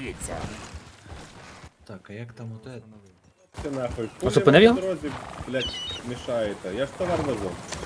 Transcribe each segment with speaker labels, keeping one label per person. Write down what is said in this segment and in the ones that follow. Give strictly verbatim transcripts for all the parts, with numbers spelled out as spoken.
Speaker 1: Дивіться.
Speaker 2: Так, а як там оте?
Speaker 3: Ти нахуй.
Speaker 4: А зупинив його?
Speaker 3: По дорозі, блядь, мішаєте. Я ж товар везу.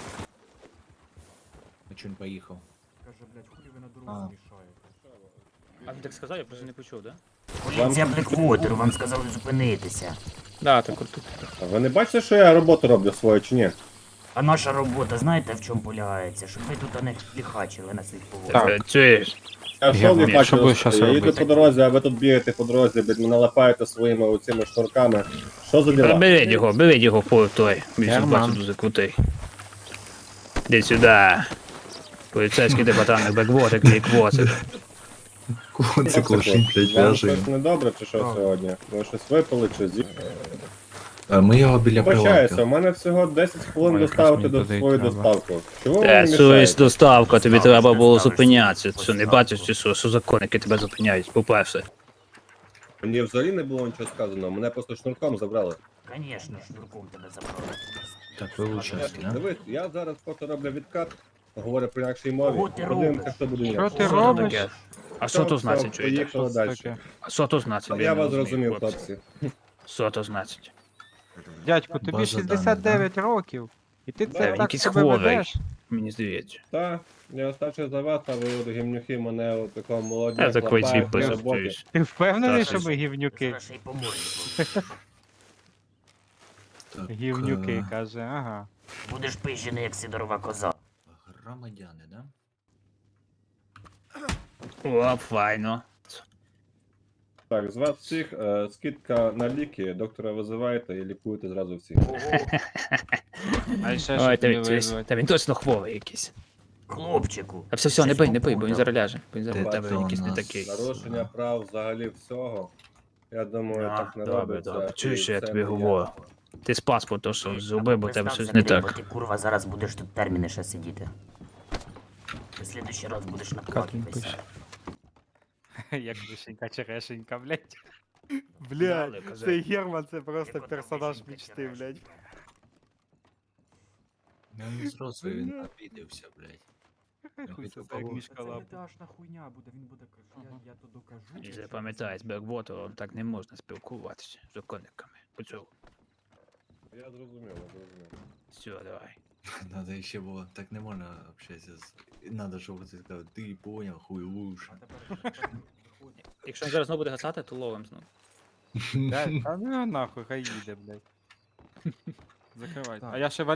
Speaker 2: А чо він поїхав?
Speaker 5: Каже, блядь, хуй ви на
Speaker 2: А.
Speaker 5: дорозі мішаєте.
Speaker 4: А він так сказав, я просто не почув, да?
Speaker 1: Поліція Блеквотеру, вам сказали зупинитися.
Speaker 4: Да, так от тут.
Speaker 3: А ви не бачите, що я роботу роблю свою чи ні?
Speaker 1: А наша робота, знаєте, в чому полягається? Щоб ви тут не ліхачили на своїх поворотах.
Speaker 4: Так. Чуєш?
Speaker 3: Я що
Speaker 6: Я
Speaker 3: не
Speaker 6: вмію, що
Speaker 3: бачу,
Speaker 6: будеш щас
Speaker 3: я їду
Speaker 6: робити?
Speaker 3: по дорозі, а ви тут бігаєте по дорозі, блядь, мене лапаєте своїми оцими шнурками. Що за діла?
Speaker 4: Беріть його, беріть його по той. Він щось
Speaker 6: Герман.
Speaker 4: бачу дуже крутий. Іди сюди. Поліцейський департамент Беквотер, Кліквотер.
Speaker 2: Це клошин, блядь,
Speaker 3: Вам
Speaker 2: в'яже.
Speaker 3: щось недобре чи що сьогодні? Ви щось випили чи зі?
Speaker 2: А ми його біля
Speaker 3: Вибачаюся, у
Speaker 2: прилавка.
Speaker 3: мене всього десять хвилин
Speaker 6: Ой,
Speaker 3: доставити
Speaker 6: якраз
Speaker 3: до
Speaker 6: мені туди й
Speaker 3: свою
Speaker 6: треба.
Speaker 3: доставку. Чого ви
Speaker 4: Та,
Speaker 3: мені
Speaker 4: совість
Speaker 3: мішаєте?
Speaker 4: доставка, тобі
Speaker 1: Доставиш,
Speaker 4: треба було
Speaker 1: доставиш,
Speaker 4: зупинятися. Що,
Speaker 1: доставиш.
Speaker 4: не бачиш, чи що? Що законники тебе зупиняють, по-перше.
Speaker 3: Мені взагалі не було нічого сказано, мене просто шнурком забрали.
Speaker 1: Звісно, шнурком тебе забрали.
Speaker 2: Так, ви участь, да?
Speaker 3: Дивись, я зараз просто роблю відкат, говорю про інакшій мові.
Speaker 1: Кого ти
Speaker 3: Подивимося,
Speaker 1: робиш?
Speaker 3: хто буде
Speaker 6: Що
Speaker 3: ні.
Speaker 6: ти
Speaker 4: Що це
Speaker 6: робиш?
Speaker 4: таке? А що то
Speaker 3: Все,
Speaker 4: значить,
Speaker 3: все,
Speaker 4: чуєте?
Speaker 3: поїхали
Speaker 6: Що це
Speaker 3: далі.
Speaker 6: таке?
Speaker 4: А що то значить?
Speaker 3: Я вас
Speaker 4: не розумію,
Speaker 3: зрозумів,
Speaker 4: хлопці.
Speaker 3: хлопці.
Speaker 4: Що то значить?
Speaker 6: Дядьку, тобі
Speaker 2: База
Speaker 6: шістдесят дев'ять років. І ти
Speaker 3: Да,
Speaker 6: це
Speaker 3: він
Speaker 6: так
Speaker 4: якийсь
Speaker 6: себе
Speaker 4: хворий.
Speaker 6: ведеш?
Speaker 4: Мені здається.
Speaker 3: Та, я старший за вас, а ви от гімнюхи мене от такого молоді.
Speaker 4: Я такий
Speaker 3: хлопають
Speaker 4: цвіт
Speaker 3: при роботі.
Speaker 4: позиціюсь.
Speaker 6: Ти впевнений,
Speaker 4: Так,
Speaker 6: що
Speaker 4: що
Speaker 6: ми
Speaker 4: ж.
Speaker 6: гівнюки?
Speaker 1: Зараз ще й по морді получиш.
Speaker 2: Так,
Speaker 6: Гівнюки,
Speaker 2: е,
Speaker 6: каже, ага.
Speaker 1: Будеш пижений, як сидорова коза.
Speaker 2: Громадяни, да?
Speaker 4: О, файно.
Speaker 3: Так, з вас всіх е, скидка на ліки, доктора визиваєте і лікуєте зразу всіх.
Speaker 1: Ого,
Speaker 6: А ще
Speaker 4: Ой,
Speaker 6: що
Speaker 4: та
Speaker 6: тобі
Speaker 4: він,
Speaker 6: визвати?
Speaker 4: та він точно хворий якийсь.
Speaker 1: хлопчику.
Speaker 4: А все, все, не
Speaker 1: щось
Speaker 4: бий, не бий, бо він
Speaker 1: попутав.
Speaker 4: зараз ляже. Бо він зараз
Speaker 2: Ти
Speaker 4: тебе
Speaker 2: то
Speaker 4: якийсь не
Speaker 2: нас-
Speaker 4: такий.
Speaker 3: Нарушення прав взагалі всього. Я думаю,
Speaker 4: А,
Speaker 3: так не
Speaker 4: добре,
Speaker 3: робиться.
Speaker 4: добре. Чуєш,
Speaker 3: і
Speaker 4: що я
Speaker 3: це
Speaker 4: тобі
Speaker 3: не
Speaker 4: говорю? Ти з паспорту що
Speaker 1: Ти
Speaker 4: зробив, бо в тебе
Speaker 1: представся,
Speaker 4: щось не
Speaker 1: Андрій,
Speaker 4: так.
Speaker 1: бо Ти курва зараз будеш тут терміни ще сидіти. В следующий раз будеш на платі
Speaker 6: він
Speaker 1: писати.
Speaker 6: пише. Як вишенька черешенька, блядь.
Speaker 4: Дали,
Speaker 6: Блядь,
Speaker 4: казав.
Speaker 6: цей Герман це просто
Speaker 1: Як ото
Speaker 6: персонаж
Speaker 1: вишенька
Speaker 6: мечти,
Speaker 1: черешенька.
Speaker 6: блядь.
Speaker 2: Ну, він зразу він обідався, блядь.
Speaker 6: Хуй
Speaker 2: хотів
Speaker 6: це як
Speaker 2: поговорити.
Speaker 6: мішка
Speaker 5: Це не
Speaker 6: лапа.
Speaker 5: дашна хуйня буде, він буде казати, я, я то докажу.
Speaker 4: І запам'ятай, з Беквотером так не можна спілкуватися з законниками. Почув.
Speaker 3: Я зрозумів, я зрозумів.
Speaker 4: Все, давай.
Speaker 2: Надо ще було, так не можна общатися з... Надо, щоб ти сказав, ти поняв, хуй лучше.
Speaker 5: А тепер виходить.
Speaker 4: Якщо він зараз знову буде гасати, то ловим знову.
Speaker 6: Да, Та ну нахуй, хай їде, блядь. Закривайте.
Speaker 5: Так.
Speaker 6: А я ще